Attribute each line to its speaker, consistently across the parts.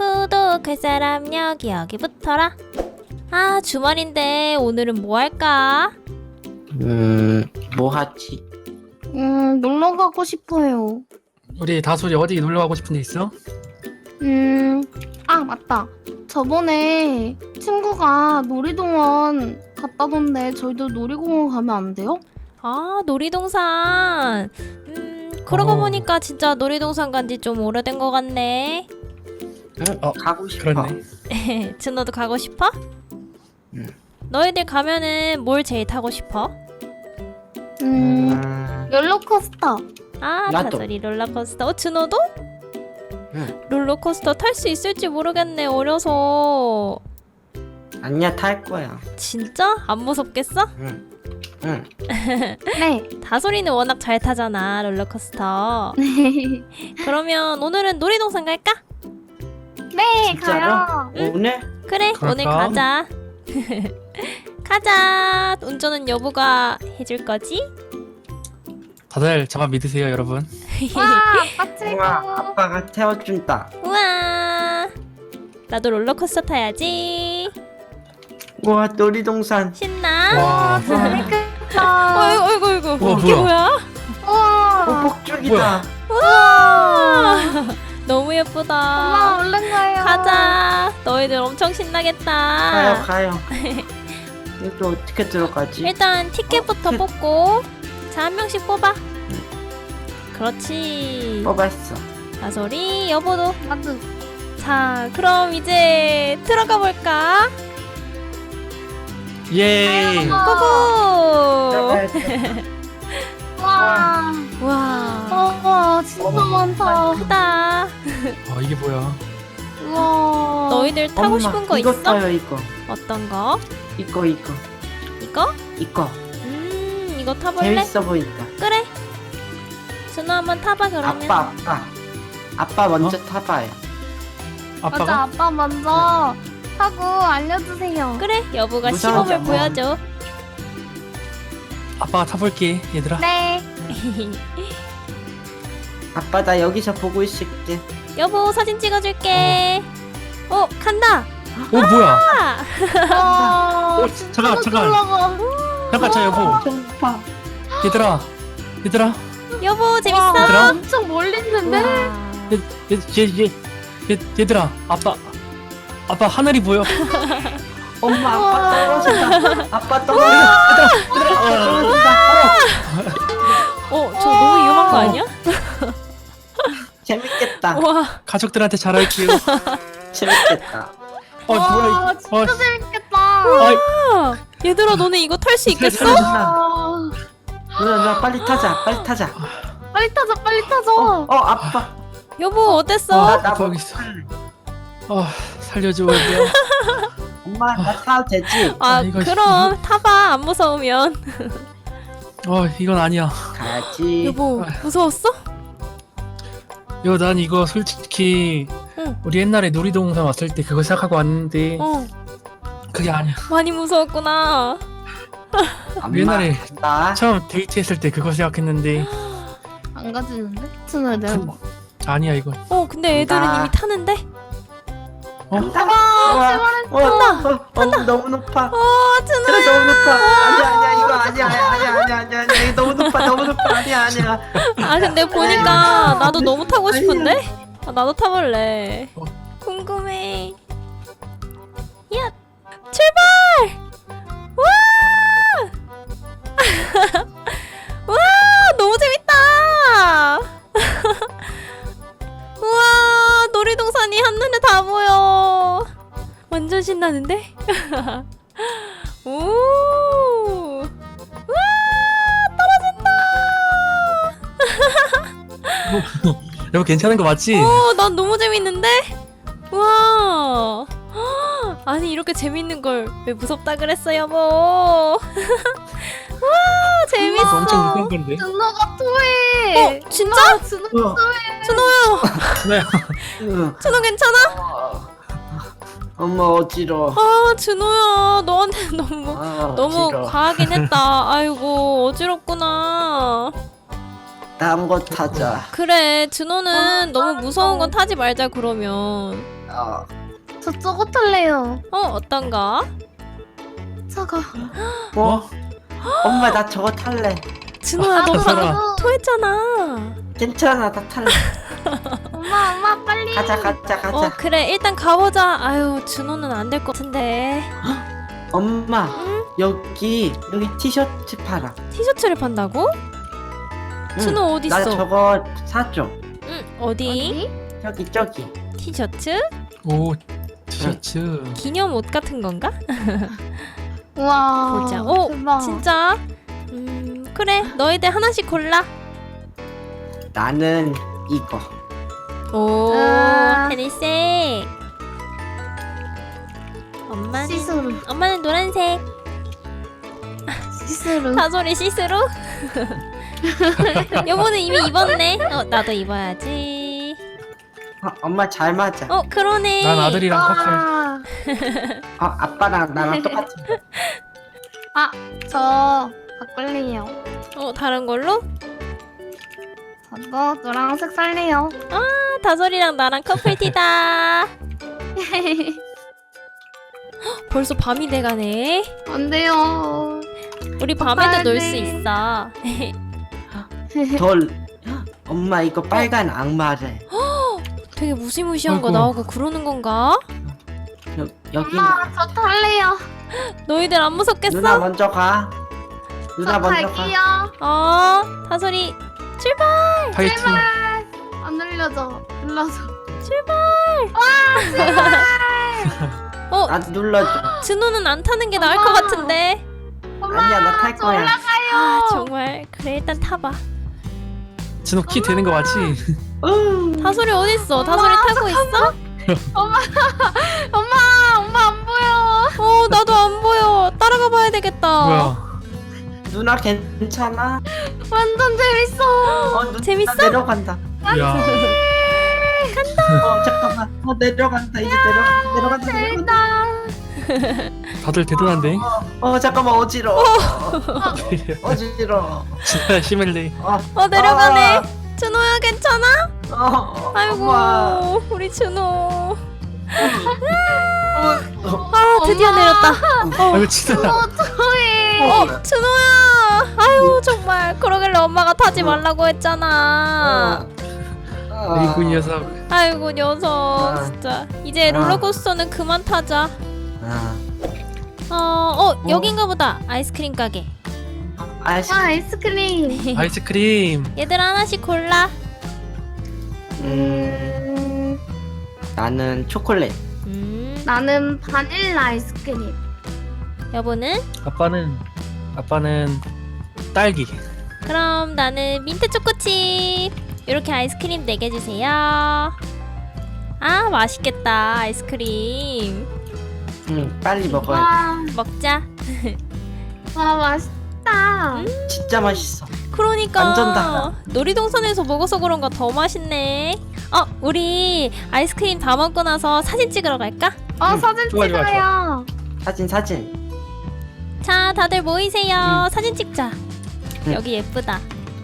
Speaker 1: 구독할 사람 여기 붙어라. 아, 주말인데 오늘은 뭐 할까?
Speaker 2: 뭐 하지?
Speaker 3: 놀러 가고 싶어요.
Speaker 4: 우리 다솔이 어디 놀러 가고 싶은 데 있어?
Speaker 3: 아, 맞다. 저번에 친구가 놀이동원 갔다던데 저희도 놀이공원 가면 안 돼요?
Speaker 1: 아, 놀이동산. 그러고
Speaker 4: 어.
Speaker 1: 보니까 진짜 놀이동산 간지 좀 오래된 것 같네.
Speaker 2: 가고 싶어.
Speaker 4: 그렇네.
Speaker 1: 준호도 가고 싶어?
Speaker 2: 응.
Speaker 1: 너희들 가면은 뭘 제일 타고 싶어?
Speaker 3: 롤러코스터.
Speaker 1: 아,
Speaker 2: 나도.
Speaker 1: 다솔이 롤러코스터. 준호도?
Speaker 2: 응.
Speaker 1: 롤러코스터 탈 수 있을지 모르겠네, 어려서.
Speaker 2: 아니야, 탈 거야.
Speaker 1: 진짜? 안 무섭겠어?
Speaker 2: 응.
Speaker 3: 네.
Speaker 1: 다솔이는 워낙 잘 타잖아, 롤러코스터. 그러면 오늘은 놀이동산 갈까?
Speaker 3: 네,
Speaker 2: 진짜로?
Speaker 3: 가요.
Speaker 2: 오늘?
Speaker 1: 그래,
Speaker 4: 그럴까?
Speaker 1: 오늘 가자. 가자. 운전은 여보가 해줄 거지?
Speaker 4: 다들 저만 믿으세요, 여러분.
Speaker 3: 와, 아빠 최고.
Speaker 2: 우와, 아빠가 태워준다.
Speaker 1: 우와. 나도 롤러코스터 타야지.
Speaker 2: 우와, 놀이동산.
Speaker 1: 신나.
Speaker 4: 와,
Speaker 3: 재밌겠다.
Speaker 1: 어이구, 어이구, 어이구.
Speaker 4: 우와,
Speaker 1: 이게
Speaker 4: 뭐야?
Speaker 1: 뭐야?
Speaker 3: 우와.
Speaker 2: 폭죽이다.
Speaker 1: 우와. 너무 예쁘다.
Speaker 3: 엄마, 얼른 가요.
Speaker 1: 가자. 너희들 엄청 신나겠다.
Speaker 2: 가요. 여기 어떻게 들어가지?
Speaker 1: 일단 티켓부터
Speaker 2: 티켓.
Speaker 1: 뽑고. 자, 한 명씩 뽑아. 그렇지.
Speaker 2: 뽑았어.
Speaker 1: 다솔이, 여보도.
Speaker 3: 나도.
Speaker 1: 자, 그럼 이제 들어가 볼까?
Speaker 4: 예.
Speaker 1: 고고!
Speaker 2: 들어가야 돼.
Speaker 3: 와.
Speaker 1: 와,
Speaker 3: 진짜 많다.
Speaker 1: 크다.
Speaker 4: 이게 뭐야?
Speaker 3: 우와.
Speaker 1: 너희들 타고
Speaker 2: 엄마,
Speaker 1: 싶은 거
Speaker 2: 이거
Speaker 1: 있어?
Speaker 2: 타요, 이거.
Speaker 1: 어떤 거?
Speaker 2: 이거.
Speaker 1: 이거?
Speaker 2: 이거.
Speaker 1: 이거 타볼래?
Speaker 2: 재밌어 보인다.
Speaker 1: 그래. 준호 한번 타봐 그러면.
Speaker 2: 아빠 먼저 타봐요.
Speaker 3: 맞아,
Speaker 4: 아빠가?
Speaker 3: 아빠 먼저 타고 알려주세요.
Speaker 1: 그래, 여보가
Speaker 2: 무서워서
Speaker 1: 시범을
Speaker 2: 뭐.
Speaker 1: 보여줘.
Speaker 4: 아빠가 타볼게, 얘들아.
Speaker 3: 네.
Speaker 2: 아빠, 나 여기서 보고 있을게.
Speaker 1: 여보, 사진 찍어줄게. 간다.
Speaker 4: 뭐야?
Speaker 3: 와.
Speaker 4: 잠깐.
Speaker 3: 올라가.
Speaker 4: 잠깐, 자, 여보.
Speaker 2: 엄청 높아.
Speaker 4: 얘들아.
Speaker 1: 여보, 재밌어?
Speaker 3: 와,
Speaker 4: 얘들아?
Speaker 3: 엄청 멀리 있는데?
Speaker 1: 우와.
Speaker 4: 얘들아. 아빠 하늘이 보여.
Speaker 2: 엄마,
Speaker 3: 우와.
Speaker 2: 아빠 떨어진다. 아빠 떨어진다. 떨어진다.
Speaker 1: 저 너무 위험한 거 아니야?
Speaker 2: 재밌겠다.
Speaker 1: 와,
Speaker 4: 가족들한테 잘할게요.
Speaker 2: 재밌겠다.
Speaker 4: 뭐야, 이거.
Speaker 3: 진짜 재밌겠다.
Speaker 1: 아, 얘들아, 너네 이거 탈 수 있겠어?
Speaker 3: 와.
Speaker 2: 누나, 빨리 타자.
Speaker 3: 빨리 타자, 빨리 타자.
Speaker 2: 아빠.
Speaker 1: 여보, 어땠어?
Speaker 2: 나
Speaker 4: 아빠 여기 있어. 살려줘, 여보야.
Speaker 2: 엄마, 나 타도 되지?
Speaker 1: 아,
Speaker 4: 이거
Speaker 1: 그럼 타봐. 안 무서우면.
Speaker 4: 이건 아니야.
Speaker 2: 가지.
Speaker 1: 여보, 무서웠어?
Speaker 4: 난 이거 솔직히
Speaker 1: 응.
Speaker 4: 우리 옛날에 놀이동산 왔을 때 그거 생각하고 왔는데 그게 아니야.
Speaker 1: 많이 무서웠구나.
Speaker 2: 엄마,
Speaker 4: 옛날에
Speaker 2: 나
Speaker 4: 처음 데이트했을 때 그거 생각했는데
Speaker 3: 안 가지는데? 준호야, 내가 봐.
Speaker 4: 아니야 이거.
Speaker 1: 근데 애들은
Speaker 2: 나-
Speaker 1: 이미 타는데?
Speaker 2: 간다.
Speaker 1: 탄다.
Speaker 2: 너무 높아.
Speaker 1: 준호야.
Speaker 2: 그래, 너무 높아. 아니야, 이거 아니야. 이거 너무 높아. 아니야.
Speaker 1: 아, 근데 보니까 나도 너무 타고 싶은데? 나도 타볼래. 궁금해. 야, 출발! 와! 와, 너무 재밌다! 우와, 놀이동산이 한눈에 다 보여. 완전 신나는데? 오! 와,
Speaker 4: 여보 괜찮은 거 맞지?
Speaker 1: 난 너무 재밌는데? 와. 아니, 이렇게 재밌는 걸 왜 무섭다 그랬어, 여보? 와, 재밌어.
Speaker 4: 엄청 무서운 건데.
Speaker 3: 준호가 토해.
Speaker 1: 진짜?
Speaker 3: 준호.
Speaker 1: 준호야,
Speaker 2: 응.
Speaker 1: 준호 괜찮아?
Speaker 2: 엄마 어지러워.
Speaker 1: 아, 준호야, 너한테 너무
Speaker 2: 어지러워.
Speaker 1: 과하긴 했다. 아이고, 어지럽구나.
Speaker 2: 다음 거 타자.
Speaker 1: 그래, 준호는 너무 무서운 건 타지 말자 그러면.
Speaker 3: 저 저거 탈래요.
Speaker 1: 어떤 거?
Speaker 3: 저거.
Speaker 2: 뭐? 엄마 나 저거 탈래.
Speaker 1: 준호야 너
Speaker 4: 타소라.
Speaker 1: 방금 토했잖아.
Speaker 2: 괜찮아 나 탈래.
Speaker 3: 엄마 빨리.
Speaker 2: 가자.
Speaker 1: 그래 일단 가보자. 아유 준호는 안 될 것 같은데.
Speaker 2: 엄마
Speaker 1: 응?
Speaker 2: 여기 티셔츠 팔아.
Speaker 1: 티셔츠를 판다고?
Speaker 2: 응.
Speaker 1: 준호 어디
Speaker 2: 나
Speaker 1: 있어?
Speaker 2: 저거 사줘.
Speaker 1: 응 어디?
Speaker 2: 저기.
Speaker 1: 티셔츠?
Speaker 4: 오 티셔츠.
Speaker 1: 기념 옷 같은 건가?
Speaker 3: 우와.
Speaker 1: 보자.
Speaker 3: 대박.
Speaker 1: 진짜? 그래 너희들 하나씩 골라.
Speaker 2: 나는 이거.
Speaker 1: 오
Speaker 3: 아.
Speaker 1: 하늘색.
Speaker 3: 시스루.
Speaker 1: 엄마는 노란색.
Speaker 3: 시스루.
Speaker 1: 다솔이 시스루? 여보는 이미 입었네. 나도 입어야지.
Speaker 2: 엄마 잘 맞아.
Speaker 1: 그러네.
Speaker 4: 난 아들이랑 커플.
Speaker 3: 아,
Speaker 2: 아빠랑 나랑 똑같이.
Speaker 3: 저 바꿀래요.
Speaker 1: 다른 걸로?
Speaker 3: 저도 노란색 살래요.
Speaker 1: 다솔이랑 나랑 커플티다. 벌써 밤이 돼가네.
Speaker 3: 안 돼요.
Speaker 1: 우리 밤에도 놀 수
Speaker 3: 빨리.
Speaker 1: 있어.
Speaker 2: 엄마 이거 빨간 악마래.
Speaker 1: 되게 무시무시한 거
Speaker 4: 아이고.
Speaker 1: 나오고 그러는 건가?
Speaker 2: 여기
Speaker 3: 엄마 저 탈래요.
Speaker 1: 너희들 안 무섭겠어?
Speaker 2: 누나 먼저 가.
Speaker 3: 저
Speaker 2: 누나 먼저 가.
Speaker 3: 갈게요.
Speaker 1: 다솔이
Speaker 4: 파이팅.
Speaker 3: 안 눌려져. 눌러서.
Speaker 2: 나 눌러줘.
Speaker 1: 준호는 안 타는 게 나을
Speaker 3: 엄마.
Speaker 1: 것 같은데.
Speaker 3: 엄마.
Speaker 2: 아니야 나 탈
Speaker 3: 저
Speaker 2: 거야.
Speaker 3: 올라가요.
Speaker 1: 정말 그래 일단 타봐.
Speaker 4: 진호 키 되는 거 맞지?
Speaker 1: 다솔이 어딨어? 다솔이 타고 있어?
Speaker 3: 엄마 안 보여.
Speaker 1: 나도 안 보여. 따라가 봐야 되겠다.
Speaker 4: 뭐야?
Speaker 2: 누나 괜찮아?
Speaker 3: 완전 재밌어.
Speaker 2: 누나
Speaker 1: 재밌어?
Speaker 2: 내려간다.
Speaker 4: 야.
Speaker 2: 잠깐만. 내려간다. 이제 내려간다.
Speaker 3: 재밌다.
Speaker 4: 다들 대단한데.
Speaker 2: 잠깐만 어지러워. 어지러워.
Speaker 4: 진짜 시멜리.
Speaker 1: 내려가네. 준호야 괜찮아? 아이고
Speaker 2: 엄마.
Speaker 1: 우리 준호. 드디어 내렸다.
Speaker 4: 아이고 진짜.
Speaker 3: 저희.
Speaker 1: 준호야. 아유 정말 그러길래 엄마가 타지 말라고 했잖아.
Speaker 4: 아이고 이 녀석.
Speaker 1: 아이고 녀석 진짜. 이제 롤러코스터는 그만 타자. 여긴가 보다. 아이스크림 가게.
Speaker 3: 아이스크림.
Speaker 4: 아이스크림.
Speaker 1: 얘들아 하나씩 골라.
Speaker 2: 나는 초콜릿.
Speaker 3: 나는 바닐라 아이스크림.
Speaker 1: 여보는?
Speaker 4: 아빠는 딸기.
Speaker 1: 그럼 나는 민트 초코칩. 이렇게 아이스크림 4개 주세요. 맛있겠다 아이스크림.
Speaker 2: 빨리 먹어야
Speaker 3: 와,
Speaker 1: 먹자.
Speaker 3: 와 맛있다.
Speaker 2: 돼. 진짜 맛있어.
Speaker 1: 그러니까
Speaker 2: 완전 달라.
Speaker 1: 놀이동산에서 먹어서 그런가 더 맛있네. 우리 아이스크림 다 먹고 나서 사진 찍으러 갈까?
Speaker 3: 사진
Speaker 4: 좋아, 좋아,
Speaker 3: 찍어요.
Speaker 2: 사진.
Speaker 1: 자 다들 모이세요. 사진 찍자.
Speaker 2: 응.
Speaker 1: 여기 예쁘다.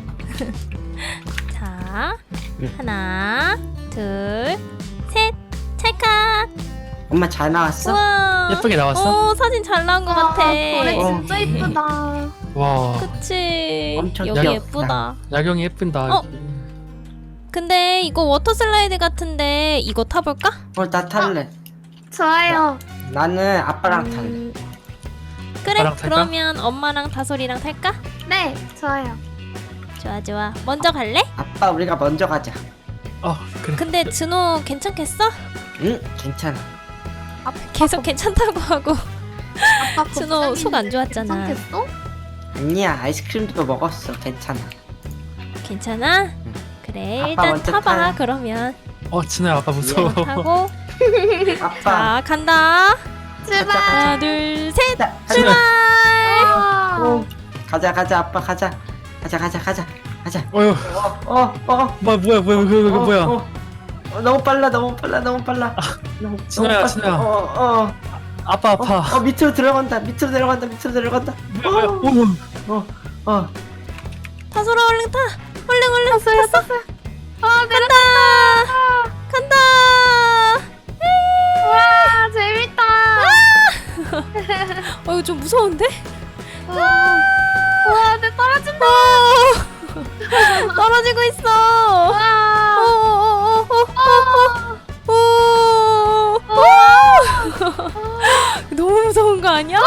Speaker 1: 자
Speaker 2: 응.
Speaker 1: 하나 둘 셋 찰칵.
Speaker 2: 엄마 잘 나왔어?
Speaker 1: 우와
Speaker 4: 예쁘게 나왔어?
Speaker 1: 사진 잘 나온 것 같아.
Speaker 3: 노래 진짜 이쁘다.
Speaker 4: 와.
Speaker 1: 그치
Speaker 2: 엄청
Speaker 1: 여기
Speaker 2: 귀엽다.
Speaker 1: 예쁘다.
Speaker 4: 야경이 예쁜다.
Speaker 1: 어? 근데 이거 워터 슬라이드 같은데 이거 타볼까?
Speaker 2: 나 탈래.
Speaker 3: 좋아요.
Speaker 2: 나는 아빠랑 탈래.
Speaker 1: 그래
Speaker 4: 아빠랑 탈까?
Speaker 1: 그러면 엄마랑 다솔이랑 탈까?
Speaker 3: 네, 좋아요.
Speaker 1: 좋아 먼저 갈래?
Speaker 2: 아빠 우리가 먼저 가자.
Speaker 4: 그래.
Speaker 1: 근데 준호 괜찮겠어?
Speaker 2: 응 괜찮아.
Speaker 1: 계속 괜찮다고 하고
Speaker 3: 아빠
Speaker 1: 준호
Speaker 3: 갑자기
Speaker 1: 속 안 좋았잖아.
Speaker 3: 괜찮겠어?
Speaker 2: 아니야 아이스크림도 먹었어. 괜찮아.
Speaker 1: 괜찮아? 그래
Speaker 2: 아빠
Speaker 1: 일단
Speaker 2: 먼저
Speaker 1: 타봐
Speaker 2: 타요.
Speaker 1: 그러면
Speaker 4: 진호야 아빠 무서워.
Speaker 1: 타고
Speaker 2: 아빠.
Speaker 1: 자 간다.
Speaker 3: 제발.
Speaker 1: 하나 둘 셋
Speaker 2: 자,
Speaker 1: 출발.
Speaker 2: 오. 가자 아빠 가자. 가자.
Speaker 4: 어휴. 뭐야 그거 뭐야?
Speaker 2: 너무 빨라. 너무
Speaker 4: 진호야,
Speaker 2: 빨라.
Speaker 4: 진호야. 아파.
Speaker 2: 밑으로 들어간다.
Speaker 4: 뭐야?
Speaker 1: 다솔아 얼른 타. 얼른 탔어. 간다. 좀 무서운데?
Speaker 3: 우와, 내 떨어진다.
Speaker 1: 떨어지고 있어.
Speaker 3: 와.
Speaker 1: 너무 무서운 거 아니야?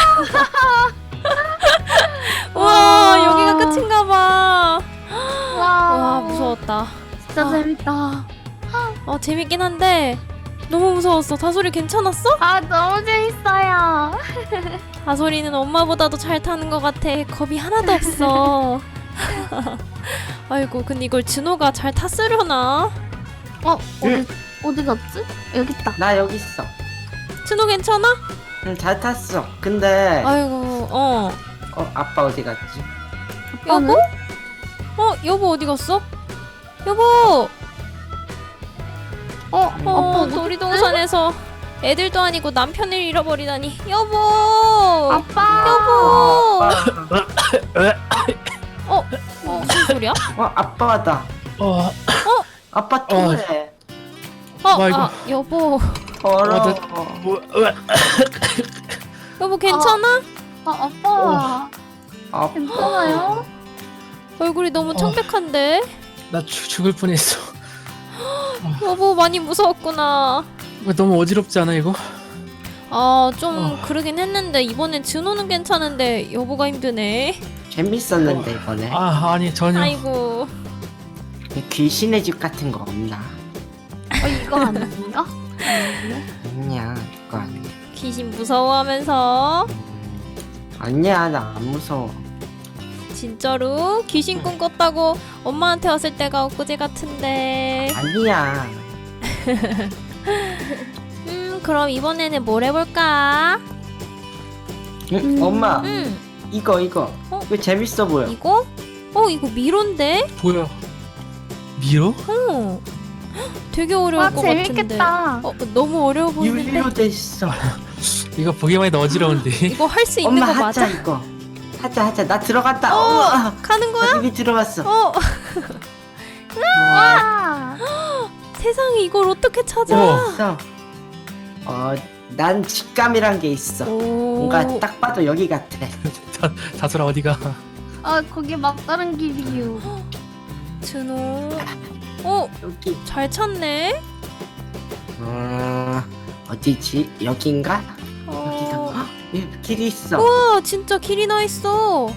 Speaker 1: 와, 여기가 끝인가 봐. 와, 무서웠다.
Speaker 3: 진짜 재밌다.
Speaker 1: 재밌긴 한데 너무 무서웠어. 다솔이 괜찮았어?
Speaker 3: 아, 너무 재밌어요.
Speaker 1: 다솔이는 엄마보다도 잘 타는 것 같아. 겁이 하나도 없어. 아이고, 근데 이걸 진호가 잘 탔으려나?
Speaker 3: 어디 갔지? 여기 있다.
Speaker 2: 나 여기 있어.
Speaker 1: 진호 괜찮아?
Speaker 2: 응, 잘 탔어. 근데
Speaker 1: 아이고,
Speaker 2: 아빠 어디 갔지?
Speaker 1: 여보? 여보 어디 갔어? 여보!
Speaker 3: 아빠
Speaker 1: 놀이동산에서 애들도 아니고 남편을 잃어버리다니. 여보!
Speaker 3: 아빠.
Speaker 1: 여보!
Speaker 2: 아빠.
Speaker 1: 무슨 소리야?
Speaker 2: 아빠다. 아빠 토해.
Speaker 4: 아이고.
Speaker 1: 여보.
Speaker 2: 더러워.
Speaker 1: 여보 괜찮아?
Speaker 3: 아빠.
Speaker 2: 아빠.
Speaker 3: 괜찮아요?
Speaker 1: 얼굴이 너무 청백한데?
Speaker 4: 나 죽을 뻔했어.
Speaker 1: 여보 많이 무서웠구나.
Speaker 4: 너무 어지럽지 않아 이거?
Speaker 1: 좀 그러긴 했는데 이번엔 진호는 괜찮은데 여보가 힘드네.
Speaker 2: 재밌었는데 이번에.
Speaker 4: 아니 전혀.
Speaker 1: 아이고.
Speaker 2: 귀신의 집 같은 거 없나?
Speaker 3: 이거 아닌가?
Speaker 2: 아니야, 그거 아니야.
Speaker 1: 귀신 무서워하면서
Speaker 2: 아니야, 나 안 무서워.
Speaker 1: 진짜로 귀신 꿈 꿨다고 엄마한테 왔을 때가 엊그제 같은데.
Speaker 2: 아니야.
Speaker 1: 그럼 이번에는 뭘 해볼까?
Speaker 2: 엄마, 이거.
Speaker 1: 어?
Speaker 2: 이거 재밌어 보여.
Speaker 1: 이거? 이거 미로인데?
Speaker 4: 뭐야? 미로?
Speaker 1: 되게 어려울 것 같은데.
Speaker 3: 재밌겠다.
Speaker 1: 너무 어려워 보이는데.
Speaker 2: 유리로 돼 있어.
Speaker 4: 이거 보기만 해도 어지러운데.
Speaker 1: 이거 할 수 있는
Speaker 2: 엄마
Speaker 1: 거
Speaker 2: 하자
Speaker 1: 맞아?
Speaker 2: 이거. 하자. 나 들어갔다.
Speaker 1: 가는 거야?
Speaker 2: 나 이미 들어갔어.
Speaker 3: 와.
Speaker 1: 세상에 이걸 어떻게 찾아?
Speaker 2: 그래서 난 직감이란 게 있어. 뭔가 딱 봐도 여기 같아.
Speaker 4: 다솔아 어디가?
Speaker 3: 거기 막다른 길이요.
Speaker 1: 준호.
Speaker 2: 여기.
Speaker 1: 잘 찾네.
Speaker 2: 어디지? 여긴가? 여기가. 여기 길이 있어.
Speaker 1: 우와 진짜 길이 나 있어.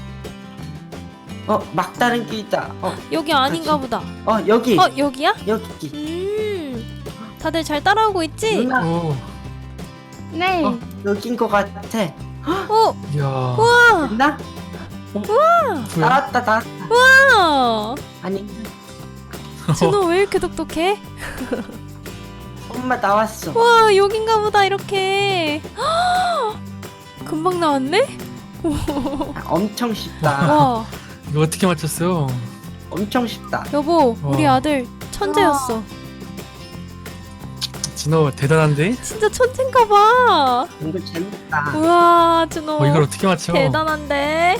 Speaker 2: 막다른 길이다.
Speaker 1: 여기 아닌가 보다.
Speaker 2: 여기.
Speaker 1: 여기야?
Speaker 2: 여기.
Speaker 1: 다들 잘 따라오고 있지?
Speaker 2: 누나.
Speaker 3: 네.
Speaker 2: 여긴 거 같아.
Speaker 4: 이야.
Speaker 1: 우와.
Speaker 2: 나?
Speaker 4: 뭐야?
Speaker 2: 나왔다.
Speaker 1: 우와.
Speaker 2: 아니,
Speaker 1: 준호 왜 이렇게 똑똑해?
Speaker 2: 엄마 나왔어.
Speaker 1: 와 여긴가 보다 이렇게. 금방 나왔네?
Speaker 2: 엄청 쉽다.
Speaker 1: 와
Speaker 4: 이거 어떻게 맞췄어?
Speaker 2: 엄청 쉽다.
Speaker 1: 여보 우리
Speaker 4: 와.
Speaker 1: 아들 천재였어.
Speaker 4: 진호 대단한데?
Speaker 1: 진짜 천재인가 봐.
Speaker 2: 이거 재밌다.
Speaker 1: 우와 준호
Speaker 4: 이걸 어떻게 맞춰?
Speaker 1: 대단한데.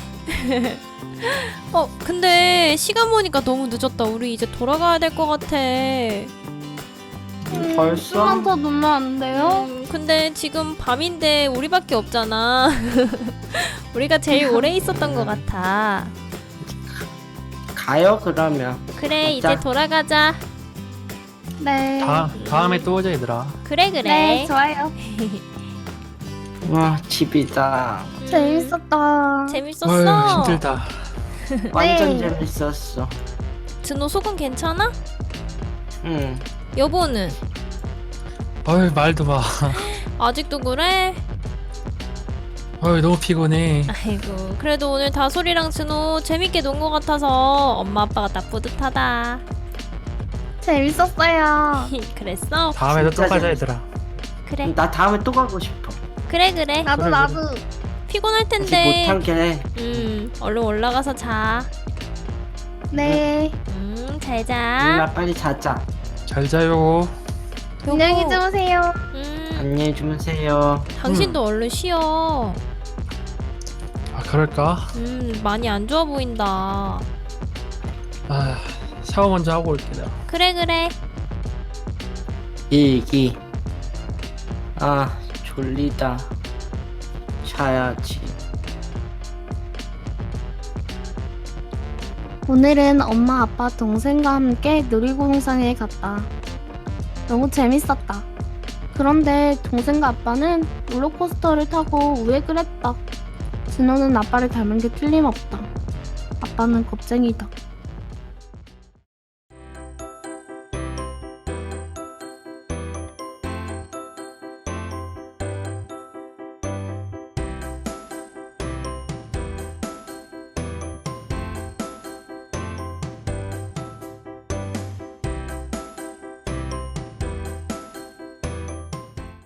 Speaker 1: 근데 시간 보니까 너무 늦었다. 우리 이제 돌아가야 될 것 같아.
Speaker 2: 벌써?
Speaker 3: 좀만 더 놀면 안 돼요?
Speaker 1: 근데 지금 밤인데 우리밖에 없잖아. 우리가 제일 오래 있었던 것 같아.
Speaker 2: 가요 그러면.
Speaker 1: 그래
Speaker 2: 가자.
Speaker 1: 이제 돌아가자.
Speaker 3: 네.
Speaker 4: 다음에 또 오자 얘들아.
Speaker 1: 그래.
Speaker 3: 네, 좋아요.
Speaker 2: 와, 집이다.
Speaker 3: 재밌었다.
Speaker 1: 재밌었어.
Speaker 4: 어휴, 힘들다.
Speaker 2: 완전
Speaker 3: 네.
Speaker 2: 재밌었어.
Speaker 1: 준호 속은 괜찮아?
Speaker 2: 응.
Speaker 1: 여보는?
Speaker 4: 어휴 말도 마.
Speaker 1: 아직도 그래?
Speaker 4: 어휴 너무 피곤해.
Speaker 1: 아이고 그래도 오늘 다솔이랑 준호 재밌게 논 것 같아서 엄마 아빠가 딱 뿌듯하다.
Speaker 3: 재밌었어요.
Speaker 1: 그랬어?
Speaker 4: 다음에도 또
Speaker 2: 진짜
Speaker 4: 가자
Speaker 2: 재밌어.
Speaker 1: 네.
Speaker 4: 얘들아.
Speaker 1: 그래
Speaker 2: 나 다음에 또 가고 싶어.
Speaker 1: 그래
Speaker 3: 나도
Speaker 4: 그래,
Speaker 3: 나도.
Speaker 1: 피곤할
Speaker 2: 아직
Speaker 1: 텐데
Speaker 2: 못한 게.
Speaker 1: 얼른 올라가서 자.
Speaker 3: 네.
Speaker 1: 잘자.
Speaker 2: 누나 빨리 자자.
Speaker 4: 잘 자요.
Speaker 3: 안녕히 주무세요.
Speaker 2: 안녕히 주무세요.
Speaker 1: 당신도 얼른 쉬어.
Speaker 4: 아 그럴까?
Speaker 1: 많이 안 좋아 보인다.
Speaker 4: 아 샤워 먼저 하고 올게 내가.
Speaker 1: 그래
Speaker 2: 일기. 아, 졸리다. 자야지.
Speaker 3: 오늘은 엄마, 아빠, 동생과 함께 놀이동산에 갔다. 너무 재밌었다. 그런데 동생과 아빠는 롤러코스터를 타고 우회를 했다. 진호는 아빠를 닮은 게 틀림없다. 아빠는 겁쟁이다.